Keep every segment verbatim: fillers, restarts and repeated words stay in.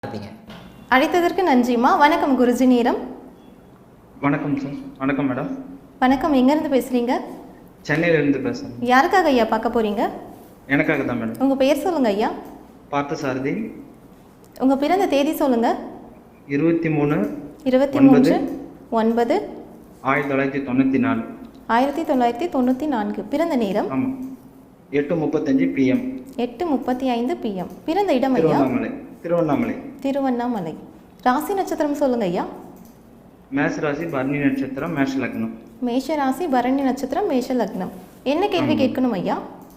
அழைத்ததற்கு நன்றிம்மா. வணக்கம் குருஜி நேரம். வணக்கம் சார். வணக்கம் மேடம். வணக்கம். எங்கேருந்து பேசுகிறீங்க? சென்னையிலேருந்து பேசுகிறேன். யாருக்காக ஐயா பார்க்க போகிறீங்க? எனக்காக தான் மேடம். உங்கள் பெயர் சொல்லுங்கள் ஐயா. பார்த்தசாரதி. உங்கள் பிறந்த தேதி சொல்லுங்கள். இருபத்தி மூணு இருபத்தி மூன்று ஒன்பது ஆயிரத்தி தொள்ளாயிரத்தி தொண்ணூற்றி நாலு ஆயிரத்தி தொள்ளாயிரத்தி தொண்ணூற்றி நான்கு. பிறந்த நேரம் ஆமாம் எட்டு முப்பத்தஞ்சு பிஎம் எட்டு முப்பத்தி ஐந்து பிஎம். பிறந்த இடம் ஐயா? திருவண்ணாமலை. திருவண்ணாமலை திருவண்ணாமலை. ராசி நட்சத்திரம் சொல்லுங்க ஐயா. மேஷ ராசி பரணி நட்சத்திரம் மேஷ லக்னம். மேஷ ராசி பரணி நட்சத்திரம் மேஷ லக்னம். என்ன கேள்வி கேட்கணும் ஐயா?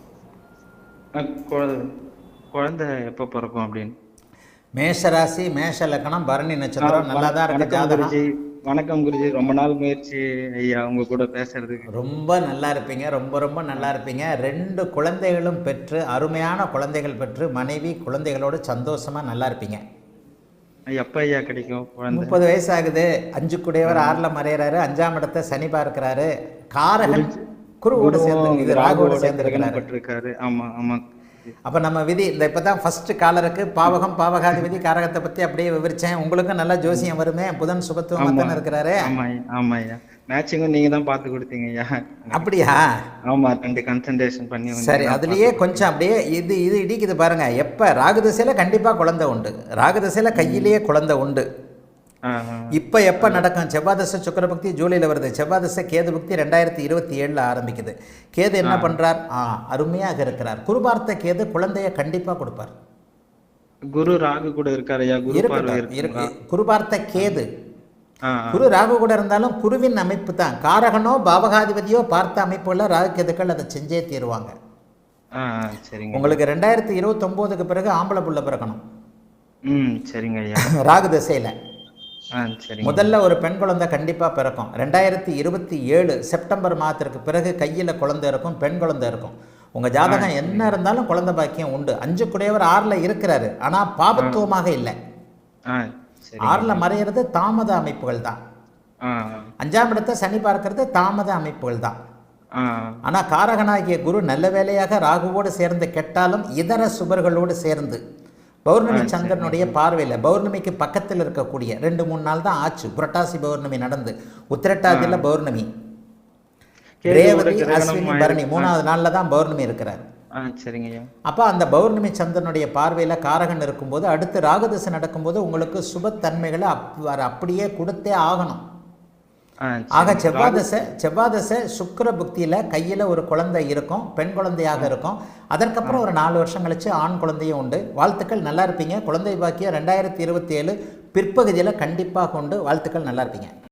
குழந்தை எப்போ பிறக்கும் அப்படின்னு. மேஷ ராசி மேஷ லக்னம் பரணி நட்சத்திரம் நல்லா தான் இருக்கு ஜாதகம். வணக்கம் குருஜி. ரொம்ப நாள் முயற்சி ஐயா உங்க கூட பேசுறதுக்கு. ரொம்ப நல்லா இருப்பீங்க. ரொம்ப ரொம்ப நல்லா இருப்பீங்க. ரெண்டு குழந்தைகளும் பெற்று அருமையான குழந்தைகள் பெற்று மனைவி குழந்தைகளோடு சந்தோஷமா நல்லா இருப்பீங்க. எப்ப ஐயா கிடைக்கும் குழந்தை? முப்பது வயசு ஆகுது. அஞ்சு குடையவர் ஆறுல மறையறாரு. அஞ்சாம் இடத்தை சனி பார்க்கிறாரு. காரகன் குருவோடு சேர்ந்து இது ராகுவோடு சேர்ந்திருக்கிறாரு. ஆமா ஆமா. அப்போ நம்ம விதி இந்த இப்போ தான் ஃபஸ்ட்டு காலருக்கு பாவகம் பாவகாதி விதி காரகத்தை பற்றி அப்படியே விவரித்தேன். உங்களுக்கும் நல்லா ஜோசியம் வருமே. புதன் சுபத்துவமாக தானே இருக்கிறாரு. ஆமாம் ஆமாம் ஐயா. மேட்சிங்கும் நீங்கள் தான் பார்த்து கொடுத்தீங்க ஐயா. அப்படியா? ஆமாம். ரெண்டு கன்சன்ட்ரேஷன் பண்ணி. சரி, அதுலேயே கொஞ்சம் அப்படியே இது இது இடிக்குது பாருங்க. எப்போ ராகு திசையில் கண்டிப்பாக குழந்தை உண்டு. ராகு திசையில் கையிலேயே குழந்தை உண்டு. இப்போ எப்போ நடக்கும்? செவ்வாய் தசை சுக்கிர பக்தி ஜூலையில் வருது. செவ்வாய் தசை கேது பக்தி ரெண்டாயிரத்தி இருபத்தி ஏழில் ஆரம்பிக்குது. கேது என்ன பண்ணுறார்? ஆ அருமையாக இருக்கிறார். குரு பார்த்த கேது குழந்தைய கண்டிப்பாக கொடுப்பார். குரு ராகு கூட இருக்காரு. குரு பார்த்த கேது குரு ராகு கூட இருந்தாலும் குருவின் அமைப்பு தான். காரகனோ பாவகாதிபதியோ பார்த்த அமைப்புள்ள ராகு கேதுக்கள் அதை செஞ்சே தீருவாங்க. உங்களுக்கு ரெண்டாயிரத்தி இருபத்தி ஒன்பதுக்கு பிறகு ஆம்பளை புள்ள பிறக்கணும். ம் சரிங்க ஐயா. ராகு திசையில் முதல்ல ஒரு பெண் குழந்தை கண்டிப்பாக பிறக்கும். ரெண்டாயிரத்தி இருபத்தி ஏழு செப்டம்பர் மாதத்திற்கு பிறகு கையில் குழந்தை இருக்கும், பெண் குழந்தை இருக்கும். உங்கள் ஜாதகம் என்ன இருந்தாலும் குழந்தை பாக்கியம் உண்டு. அஞ்சு குடையவர் ஆறில் இருக்கிறாரு, ஆனால் பாபத்துவமாக இல்லை. ஆறில் மறையிறது தாமத அமைப்புகள் தான். அஞ்சாம் இடத்தை சனி பார்க்கறது தாமத அமைப்புகள் தான். ஆனால் காரகனாகிய குரு நல்ல வேலையாக ராகுவோடு சேர்ந்து கெட்டாலும் இதர சுபர்களோடு சேர்ந்து பௌர்ணமி சந்திரனுடைய பார்வையில் பௌர்ணமிக்கு பக்கத்தில் இருக்கக்கூடிய ரெண்டு மூணு நாள் தான் ஆச்சு. புரட்டாசி பௌர்ணமி நடந்து உத்திரட்டாதியில் பௌர்ணமி, ரேவதி அஸ்வினி பரணி மூணாவது நாளில் தான் பௌர்ணமி இருக்கிறார். அப்போ அந்த பௌர்ணமி சந்திரனுடைய பார்வையில் காரகன் இருக்கும்போது அடுத்து ராகுதசை நடக்கும்போது உங்களுக்கு சுபத்தன்மைகளை அப் அப்படியே கொடுத்தே ஆகணும். ஆக செவ்வாதசை செவ்வாதசை சுக்கிர புக்தியில் கையில் ஒரு குழந்தை இருக்கும், பெண் குழந்தையாக இருக்கும். அதற்கப்புறம் ஒரு நாலு வருஷம் கழிச்சு ஆண் குழந்தையும் உண்டு. வாழ்த்துக்கள், நல்லா இருப்பீங்க. குழந்தை பாக்கியம் ரெண்டாயிரத்தி இருபத்தி ஏழு பிற்பகுதியில் கண்டிப்பாக உண்டு. வாழ்த்துக்கள், நல்லா இருப்பீங்க.